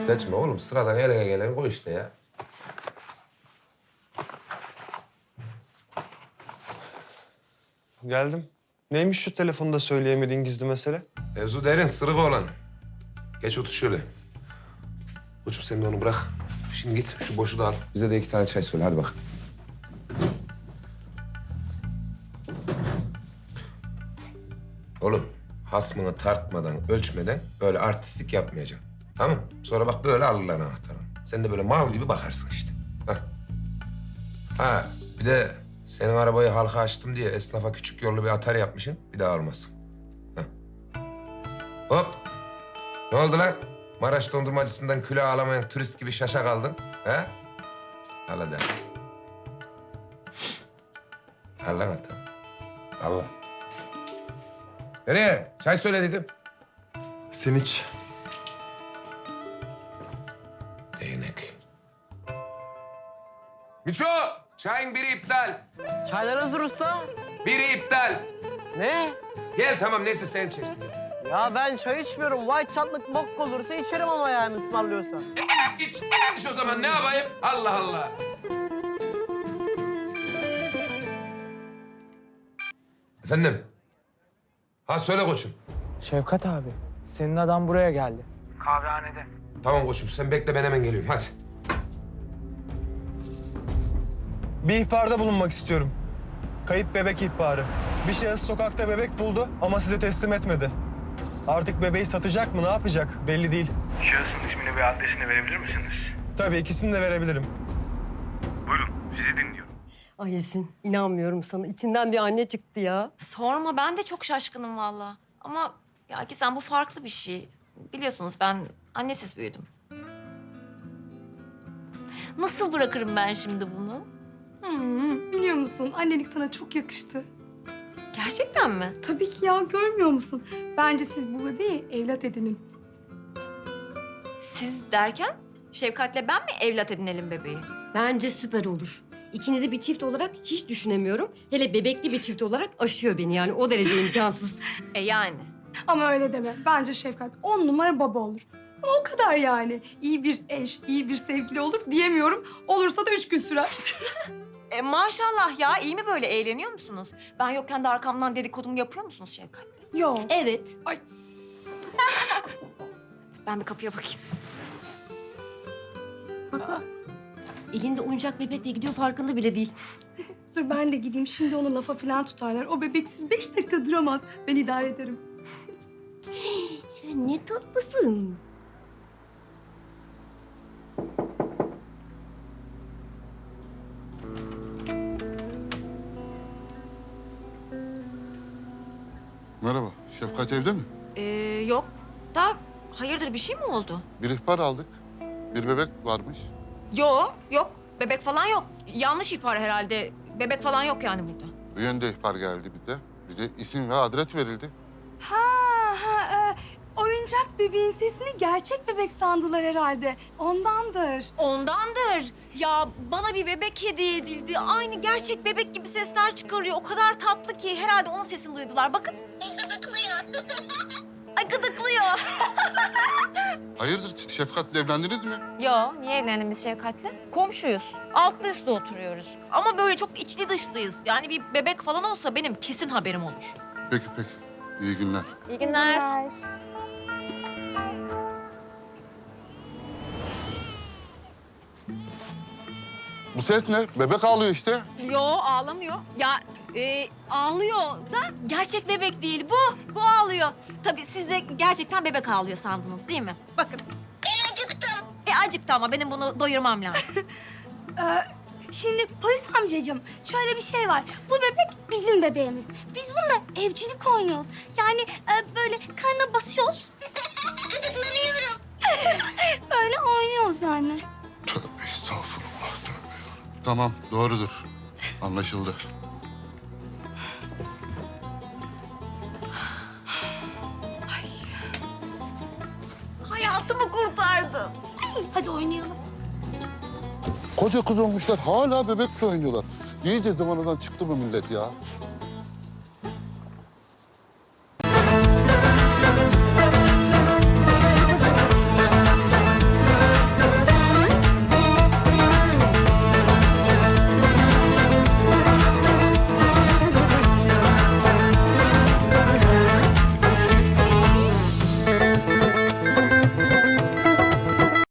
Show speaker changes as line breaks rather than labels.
Seçme oğlum. Sıradan eline gelen koy işte ya.
Geldim. Neymiş şu telefonda söyleyemediğin gizli mesele?
Mevzu derin, sırık olan. Geç otur şöyle. Koçum sen de onu bırak. Şimdi git şu boşu da al. Bize de 2 tane çay söyle hadi bak. Oğlum hasmını tartmadan, ölçmeden böyle artistlik yapmayacaksın. Tamam mı? Sonra bak böyle alırlar anahtarını. Sen de böyle mal gibi bakarsın işte. Hah. Ha bir de senin arabayı halka açtım diye esnafa küçük yollu bir atar yapmışsın. Bir daha almasın. Hah. Hop. Ne oldu lan? Maraş dondurmacısından külah alamayan turist gibi şaşa kaldın. He? Al hadi. Al lan al tamam. Al lan. Nereye? Çay söyle dedim.
Sen iç.
Değnek. Miço! Çayın biri iptal.
Çaylar hazır usta.
Biri iptal.
Ne?
Gel tamam neyse sen içersin.
Ya ben çay içmiyorum. White çatlık bok olursa içerim ama yani ısmarlıyorsan.
İç o zaman ne yapayım? Allah Allah. Efendim? Ha söyle koçum.
Şevkat abi, senin adam buraya geldi.
Tamam koçum sen bekle ben hemen geliyorum hadi.
Bir ihbarda bulunmak istiyorum. Kayıp bebek ihbarı. Bir şahıs sokakta bebek buldu ama size teslim etmedi. Artık bebeği satacak mı, ne yapacak belli değil.
Şahısın ismini ve adresini verebilir misiniz?
Tabii ikisini de verebilirim.
Buyurun, sizi dinliyorum.
Ay Esin, inanmıyorum sana. İçinden bir anne çıktı ya.
Sorma, ben de çok şaşkınım valla. Ama ya Gizem bu farklı bir şey. Biliyorsunuz ben annesiz büyüdüm. Nasıl bırakırım ben şimdi bunu?
Biliyor musun? Annelik sana çok yakıştı.
Gerçekten mi?
Tabii ki ya, görmüyor musun? Bence siz bu bebeği evlat edinin.
Siz derken Şevkat'le ben mi evlat edinelim bebeği?
Bence süper olur. İkinizi bir çift olarak hiç düşünemiyorum. Hele bebekli bir çift olarak aşıyor beni yani. O derece imkansız.
Yani.
Ama öyle deme. Bence Şefkat 10 numara baba olur. Ama o kadar yani. İyi bir eş, iyi bir sevgili olur diyemiyorum. Olursa da 3 gün sürer.
Maşallah ya, iyi mi böyle, eğleniyor musunuz? Ben yokken de arkamdan dedikodumu yapıyor musunuz Şevkat'le?
Yok.
Evet.
Ay.
Ben bir kapıya bakayım.
Elinde oyuncak bebekle gidiyor farkında bile değil.
Dur ben de gideyim. Şimdi onu lafa falan tutarlar. O bebeksiz 5 dakika duramaz. Ben idare ederim.
Sen ne tatlısın.
Merhaba, Şefkat evde mi?
Yok da hayırdır, bir şey mi oldu?
Bir ihbar aldık. Bir bebek varmış.
Yok. Bebek falan yok. Yanlış ihbar herhalde. Bebek falan yok yani burada.
Bu yönde ihbar geldi bir de. Bir de isim ve adres verildi.
Oyuncak bebeğin sesini gerçek bebek sandılar herhalde. Ondandır.
Ondandır. Ya bana bir bebek hediye edildi. Aynı gerçek bebek gibi sesler çıkarıyor. O kadar tatlı ki herhalde onun sesini duydular. Bakın. Ay gıdıklıyor.
Hayırdır, Şefkat'le evlendiniz mi?
Yo, niye evlendik biz Şevkat'le? Komşuyuz. Altlı üstlü oturuyoruz. Ama böyle çok içli dışlıyız. Yani bir bebek falan olsa benim kesin haberim olur.
Peki. İyi günler.
İyi günler.
Bu ses ne? Bebek ağlıyor işte.
Yo, ağlamıyor. Ya ağlıyor da gerçek bebek değil bu. Bu ağlıyor. Tabii siz de gerçekten bebek ağlıyor sandınız değil mi? Bakın. Acıktım. Acıktı ama benim bunu doyurmam lazım.
Şimdi polis amcacığım şöyle bir şey var. Bu bebek bizim bebeğimiz. Biz bununla evcilik oynuyoruz. Yani böyle karnına basıyoruz. Böyle oynuyoruz yani.
Tövbe estağfurullah, tövbe yarabbim. Tamam, doğrudur. Anlaşıldı.
Hayatımı kurtardım.
Hadi oynayalım.
Koca kız olmuşlar, hala bebekle oynuyorlar. İyice zamanadan çıktı mı millet ya?